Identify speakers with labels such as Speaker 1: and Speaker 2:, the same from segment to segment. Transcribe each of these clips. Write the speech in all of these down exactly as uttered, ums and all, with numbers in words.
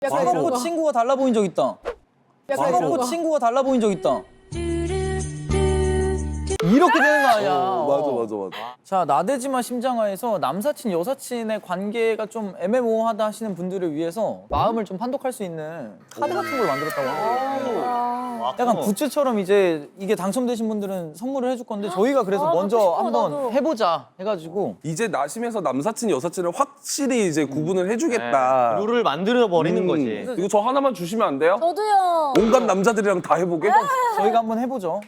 Speaker 1: 술 먹고 친구가 달라 보인 적 있다. 술 먹고 친구가 달라 보인 적 있다. 이렇게 되는 거 아니야.
Speaker 2: 어, 맞아 맞아 맞아.
Speaker 1: 자, 나대지마 심장화에서 남사친 여사친의 관계가 좀 애매모호하다 하시는 분들을 위해서 마음을 좀 판독할 수 있는 카드 같은 걸 만들었다고 합니다. 약간 굿즈처럼 이제 이게 당첨되신 분들은 선물을 해줄 건데 저희가 그래서
Speaker 3: 아,
Speaker 1: 먼저
Speaker 3: 갖고 싶어,
Speaker 1: 한번
Speaker 3: 나도.
Speaker 1: 해보자 해가지고
Speaker 2: 이제 나심에서 남사친 여사친을 확실히 이제 구분을 해주겠다.
Speaker 4: 룰을 만들어 버리는
Speaker 2: 음.
Speaker 4: 거지.
Speaker 2: 이거 저 하나만 주시면 안 돼요?
Speaker 3: 저도요.
Speaker 2: 온갖 남자들이랑 다 해보게?
Speaker 1: 저희가 한번 해보죠.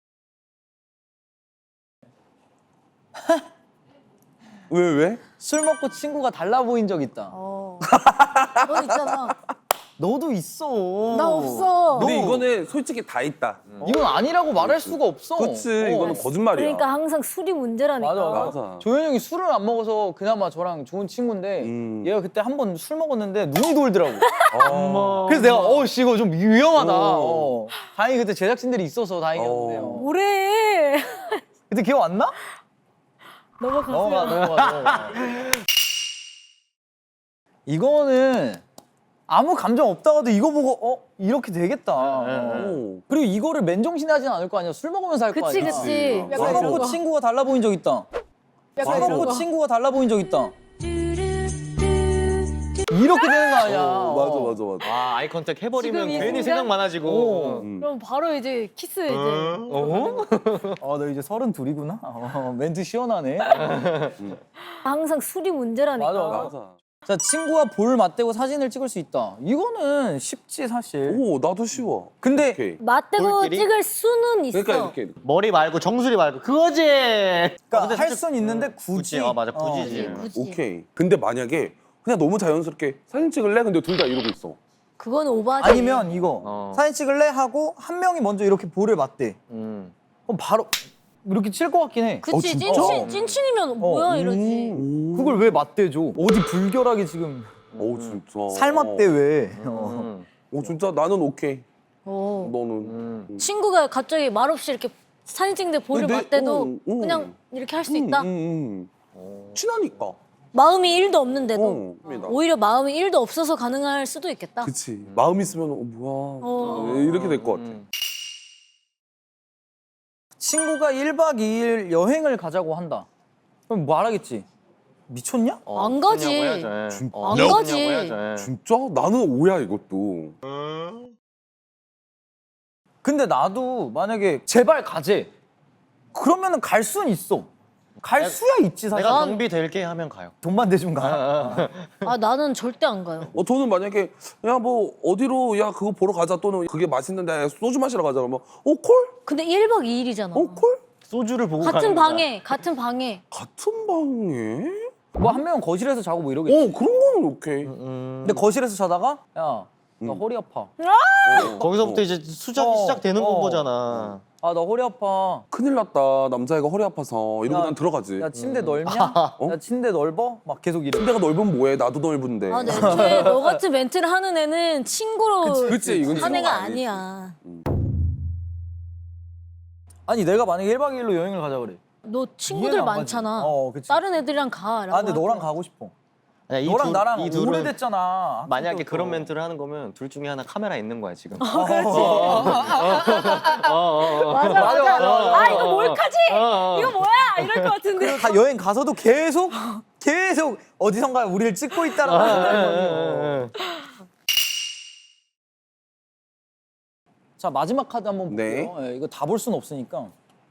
Speaker 2: 왜 왜?
Speaker 1: 술 먹고 친구가 달라 보인 적 있다.
Speaker 3: 어. 넌 있잖아.
Speaker 1: 너도 있어.
Speaker 3: 나 없어.
Speaker 2: 근데 이거는 솔직히 다 있다.
Speaker 1: 이건 아니라고 말할 수가 없어.
Speaker 2: 그치
Speaker 1: 어.
Speaker 2: 이거는 거짓말이야.
Speaker 3: 그러니까 항상 술이 문제라니까.
Speaker 1: 맞아, 맞아.
Speaker 2: 맞아.
Speaker 1: 조현이 형이 술을 안 먹어서 그나마 저랑 좋은 친구인데
Speaker 2: 음.
Speaker 1: 얘가 그때 한 번 술 먹었는데 눈이 돌더라고.
Speaker 2: 어.
Speaker 1: 그래서 내가 어씨 이거 좀 위험하다.
Speaker 2: 어.
Speaker 1: 어. 다행히 그때 제작진들이 있어서 다행이었는데요.
Speaker 2: 어.
Speaker 3: 뭐래?
Speaker 1: 그때 기억 안 나?
Speaker 3: 넘어가세요.
Speaker 1: 넘어가 넘어가 넘어가. 이거는 아무 감정 없다가도 이거 보고 어 이렇게 되겠다. 어.
Speaker 2: 오.
Speaker 1: 그리고 이거를 맨정신에 하진 않을 거 아니야. 술 먹으면서 할 거
Speaker 3: 그치
Speaker 1: 아니야.
Speaker 3: 그치.
Speaker 2: 그치.
Speaker 1: 술
Speaker 3: 약간
Speaker 1: 먹고
Speaker 3: 이런 거.
Speaker 1: 친구가 달라 보인 적 있다.
Speaker 3: 약간
Speaker 1: 술
Speaker 3: 이런
Speaker 1: 먹고
Speaker 3: 거.
Speaker 1: 친구가 달라 보인 적 있다. 이렇게 되는 거 아니야.
Speaker 2: 어, 맞아 맞아 맞아.
Speaker 4: 아, 아이 컨택 해버리면
Speaker 3: 지금 이
Speaker 4: 괜히
Speaker 3: 순간?
Speaker 4: 생각 많아지고.
Speaker 1: 어.
Speaker 2: 음.
Speaker 3: 그럼 바로 이제 키스 이제.
Speaker 4: 어?
Speaker 1: 아, 너 이제 서른 둘이구나. 어, 멘트 시원하네.
Speaker 3: 항상 술이 문제라니까.
Speaker 1: 맞아, 맞아.
Speaker 2: 맞아.
Speaker 1: 자, 친구와 볼 맞대고 사진을 찍을 수 있다. 이거는 쉽지 사실.
Speaker 2: 오 나도 쉬워.
Speaker 1: 근데
Speaker 2: 오케이.
Speaker 3: 맞대고
Speaker 4: 볼끼리?
Speaker 3: 찍을 수는 있어.
Speaker 2: 그러니까 이렇게. 이렇게.
Speaker 4: 머리 말고 정수리 말고 그거지.
Speaker 1: 그러니까 할 수는 있는데 굳이.
Speaker 4: 굳이, 어, 맞아, 굳이지.
Speaker 1: 어.
Speaker 3: 굳이.
Speaker 2: 오케이. 근데 만약에 그냥 너무 자연스럽게 사진 찍을래? 근데 둘 다 이러고 있어.
Speaker 3: 그거는 오바지.
Speaker 1: 아니면 이거
Speaker 4: 어.
Speaker 1: 사진 찍을래 하고 한 명이 먼저 이렇게 볼을 맞대.
Speaker 4: 음.
Speaker 1: 그럼 바로 이렇게 칠 것 같긴 해.
Speaker 3: 그치
Speaker 2: 어, 진짜?
Speaker 3: 찐친 찐친이면 뭐야 이러지.
Speaker 2: 음.
Speaker 1: 그걸 왜 맞대줘? 어디 불결하게 지금
Speaker 2: 오 진짜.
Speaker 1: 살 맞대 왜? 어.
Speaker 4: 음.
Speaker 2: 오 진짜 나는 오케이.
Speaker 3: 어.
Speaker 2: 너는.
Speaker 4: 음.
Speaker 3: 친구가 갑자기 말없이 이렇게 사진 찍는데 볼을
Speaker 2: 근데,
Speaker 3: 맞대도
Speaker 2: 음, 음.
Speaker 3: 그냥 이렇게 할 수
Speaker 2: 음,
Speaker 3: 있다.
Speaker 2: 음, 음. 친하니까.
Speaker 3: 마음이 일도 없는데도
Speaker 2: 어, 맞습니다.
Speaker 3: 오히려 마음이 일도 없어서 가능할 수도 있겠다.
Speaker 2: 그치. 마음 있으면 어 뭐야.
Speaker 3: 어.
Speaker 2: 이렇게 될 것 같아.
Speaker 4: 음.
Speaker 1: 친구가 일 박 이 일 여행을 가자고 한다. 그럼 말하겠지. 미쳤냐?
Speaker 4: 어,
Speaker 3: 안 가지.
Speaker 4: 그러냐고 해야죠. 예.
Speaker 2: 진짜?
Speaker 4: 어,
Speaker 3: 안
Speaker 4: 그러냐고
Speaker 3: 가지.
Speaker 4: 해야죠. 예.
Speaker 2: 진짜? 나는 오야 이것도.
Speaker 1: 근데 나도 만약에 제발 가재. 그러면은 갈 수는 있어. 갈 수야 있지 사실.
Speaker 4: 내가 경비 될게 하면 가요.
Speaker 1: 돈만 대주면 가.
Speaker 3: 아 나는 절대 안 가요.
Speaker 2: 어 저는 만약에 야 뭐 어디로 야 그거 보러 가자 또는 그게 맛있는데 소주 마시러 가자 그러면 어 콜?
Speaker 3: 근데 일 박 이 일이잖아.
Speaker 2: 어 콜?
Speaker 4: 소주를 보고
Speaker 3: 같은
Speaker 4: 가는 거야.
Speaker 3: 방에 같은 방에.
Speaker 2: 같은 방에?
Speaker 1: 뭐 한 명은 거실에서 자고 뭐 이러겠지.
Speaker 2: 어 그런 거는 오케이.
Speaker 4: 음.
Speaker 1: 근데 거실에서 자다가 야, 나
Speaker 2: 음.
Speaker 1: 허리 아파.
Speaker 2: 어,
Speaker 4: 거기서부터
Speaker 2: 어.
Speaker 4: 이제 수작이
Speaker 1: 어,
Speaker 4: 시작되는
Speaker 1: 어.
Speaker 4: 거잖아.
Speaker 1: 아, 나 허리 아파.
Speaker 2: 큰일 났다. 남자애가 허리 아파서 이러고
Speaker 1: 야,
Speaker 2: 난 들어가지.
Speaker 1: 야, 침대 넓냐?
Speaker 2: 어?
Speaker 1: 야, 침대 넓어? 막 계속 이래.
Speaker 2: 침대가 넓으면 뭐해? 나도 넓은데.
Speaker 3: 아, 근데 애초에 너 같은 멘트를 하는 애는 친구로
Speaker 2: 그치, 이건
Speaker 3: 한 애가
Speaker 2: 친구가 아니지.
Speaker 3: 아니야.
Speaker 1: 아니, 내가 만약에 일 박 이 일로 여행을 가자 그래.
Speaker 3: 너
Speaker 1: 이해는
Speaker 3: 친구들
Speaker 1: 안 가지.
Speaker 3: 많잖아.
Speaker 1: 어, 그치.
Speaker 3: 다른 애들이랑 가.
Speaker 1: 아, 근데 너랑 가고 싶어.
Speaker 4: 아니, 이
Speaker 1: 너랑
Speaker 4: 둘-
Speaker 1: 나랑
Speaker 4: 이 둘은
Speaker 1: 오래됐잖아.
Speaker 4: 만약에
Speaker 1: 학교
Speaker 4: 그런
Speaker 1: 때부터.
Speaker 4: 멘트를 하는 거면 둘 중에 하나 카메라 있는 거야 지금.
Speaker 3: 어, 그렇지.
Speaker 4: 어, 어, 어.
Speaker 3: 맞아,
Speaker 1: 맞아,
Speaker 3: 맞아.
Speaker 1: 맞아.
Speaker 3: 아, 이거 몰카지?
Speaker 4: 어, 어.
Speaker 3: 이거 뭐야? 이럴 것 같은데.
Speaker 1: 가, 여행 가서도 계속 계속 어디선가 우리를 찍고 있다라고
Speaker 4: 어,
Speaker 1: 생각하는
Speaker 4: 어,
Speaker 1: 거지.
Speaker 4: 어, 어.
Speaker 1: 자, 마지막 카드 한번
Speaker 2: 네.
Speaker 1: 볼게요. 예, 이거 다 볼 수는 없으니까.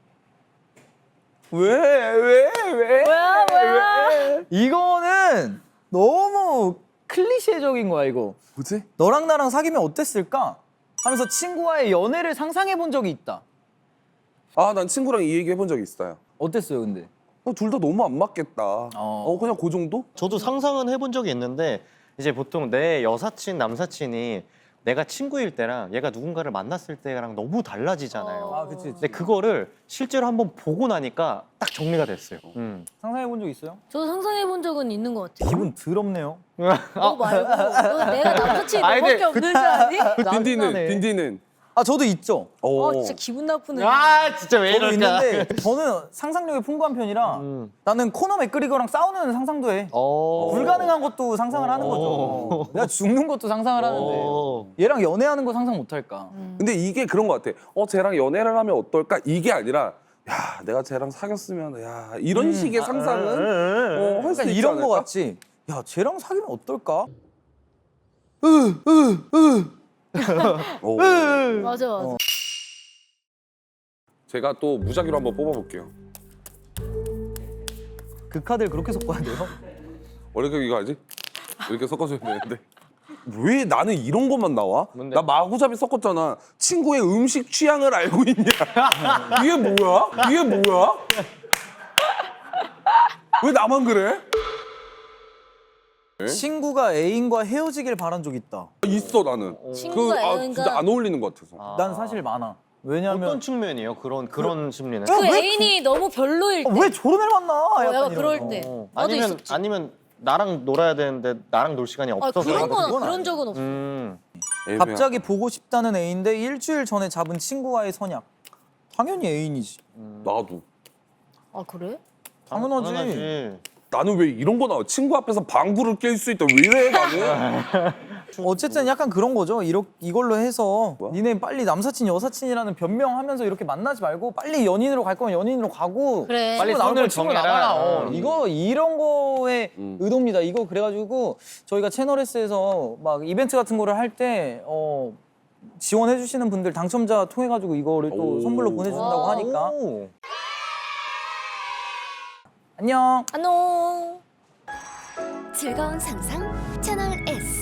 Speaker 1: 왜? 왜? 왜?
Speaker 3: 뭐야, 뭐야?
Speaker 1: 이거는 너무 클리셰적인 거야, 이거.
Speaker 2: 뭐지?
Speaker 1: 너랑 나랑 사귀면 어땠을까? 하면서 친구와의 연애를 상상해 본 적이 있다.
Speaker 2: 아, 난 친구랑 이 얘기 해본 적이 있어요.
Speaker 1: 어땠어요, 근데?
Speaker 2: 둘 다 너무 안 맞겠다. 어, 그냥 그 정도?
Speaker 4: 저도 상상은 해본 적이 있는데 이제 보통 내 여사친 남사친이 내가 친구일 때랑 얘가 누군가를 만났을 때랑 너무 달라지잖아요.
Speaker 3: 어.
Speaker 1: 아, 그치, 그치.
Speaker 4: 근데 그거를 실제로 한번 보고 나니까 딱 정리가 됐어요. 음.
Speaker 1: 상상해 본 적 있어요?
Speaker 3: 저도 상상해 본 적은 있는 것 같아요.
Speaker 1: 기분 더럽네요.
Speaker 3: 너 말고 너 내가 남사친이
Speaker 4: 아니,
Speaker 3: 너밖에
Speaker 4: 근데
Speaker 3: 없는 줄 아니?
Speaker 2: 딘디는,
Speaker 1: 짜증나네.
Speaker 2: 딘디는.
Speaker 1: 아 저도 있죠.
Speaker 2: 오.
Speaker 3: 아 진짜 기분 나쁘네.
Speaker 4: 아 진짜 왜
Speaker 1: 저도
Speaker 4: 이럴까?
Speaker 1: 있는데 저는 상상력이 풍부한 편이라
Speaker 4: 음.
Speaker 1: 나는 코너 맥그리거랑 싸우는 상상도 해.
Speaker 4: 어.
Speaker 1: 불가능한 것도 상상을 하는 거죠. 내가 죽는 것도 상상을 하는데
Speaker 4: 어.
Speaker 1: 얘랑 연애하는 거 상상 못 할까?
Speaker 2: 근데 이게 그런 것 같아. 어, 쟤랑 연애를 하면 어떨까? 이게 아니라, 야, 내가 쟤랑 사귀었으면, 야, 이런 식의 상상은 어, 할 수
Speaker 1: 약간
Speaker 2: 있지
Speaker 1: 이런 거
Speaker 2: 않을까?
Speaker 1: 같지. 야 쟤랑 사귀면 어떨까?
Speaker 2: 오.
Speaker 3: 맞아 맞아.
Speaker 2: 제가 또 무작위로 한번 뽑아볼게요.
Speaker 1: 그 카드를 그렇게 섞어야 돼요?
Speaker 2: 원래 그 이거 알지? 이렇게 섞어줘야 되는데. 왜 나는 이런 것만 나와?
Speaker 4: 뭔데?
Speaker 2: 나 마구잡이 섞었잖아. 친구의 음식 취향을 알고 있냐? 이게 뭐야? 이게 뭐야? 왜 나만 그래?
Speaker 1: 친구가 애인과 헤어지길 바란 적 있다.
Speaker 2: 있어 나는.
Speaker 3: 친구가
Speaker 2: 그, 아,
Speaker 3: 애인과-
Speaker 2: 진짜 안 어울리는 것 같아서.
Speaker 4: 아.
Speaker 1: 난 사실 많아. 왜냐면
Speaker 4: 어떤 측면이에요? 그런 그런 심리는?
Speaker 3: 그
Speaker 1: 왜
Speaker 3: 애인이 너무 별로일 때.
Speaker 1: 아, 왜 저런 애를 만나?
Speaker 3: 어,
Speaker 1: 약간
Speaker 3: 약간
Speaker 1: 이런
Speaker 3: 그럴
Speaker 1: 거.
Speaker 3: 때.
Speaker 4: 어.
Speaker 3: 나도
Speaker 4: 아니면
Speaker 3: 있었지.
Speaker 4: 아니면 나랑 놀아야 되는데 나랑 놀 시간이
Speaker 3: 아
Speaker 4: 없어서
Speaker 3: 그런 건
Speaker 1: 그건
Speaker 3: 그런
Speaker 1: 아니야.
Speaker 3: 적은 없어.
Speaker 4: 음.
Speaker 2: 애매하-
Speaker 1: 갑자기 보고 싶다는 애인데 일주일 전에 잡은 친구와의 선약. 당연히 애인이지.
Speaker 2: 나도.
Speaker 3: 아 그래?
Speaker 1: 당연하지.
Speaker 2: 나는 왜 이런 거 나와? 친구 앞에서 방구를 낄 수 있다. 왜 이래 나는?
Speaker 1: 어쨌든 약간 그런 거죠. 이러, 이걸로 해서
Speaker 2: 뭐야?
Speaker 1: 니네 빨리 남사친 여사친이라는 변명하면서 이렇게 만나지 말고 빨리 연인으로 갈 거면 연인으로 가고
Speaker 3: 그래.
Speaker 1: 빨리
Speaker 4: 빨리
Speaker 1: 나올
Speaker 4: 선을
Speaker 1: 걸 친구
Speaker 4: 정해라.
Speaker 1: 나가라. 어,
Speaker 4: 음.
Speaker 1: 이거 이런 거의
Speaker 2: 음.
Speaker 1: 의도입니다. 이거 그래가지고 저희가 채널S에서 막 이벤트 같은 거를 할 때 어, 지원해 주시는 분들 당첨자 통해 가지고 이거를 또
Speaker 2: 오.
Speaker 1: 선물로 보내준다고
Speaker 3: 와.
Speaker 1: 하니까
Speaker 4: 오.
Speaker 1: 안녕.
Speaker 3: 안녕.
Speaker 5: 즐거운 상상 채널 S.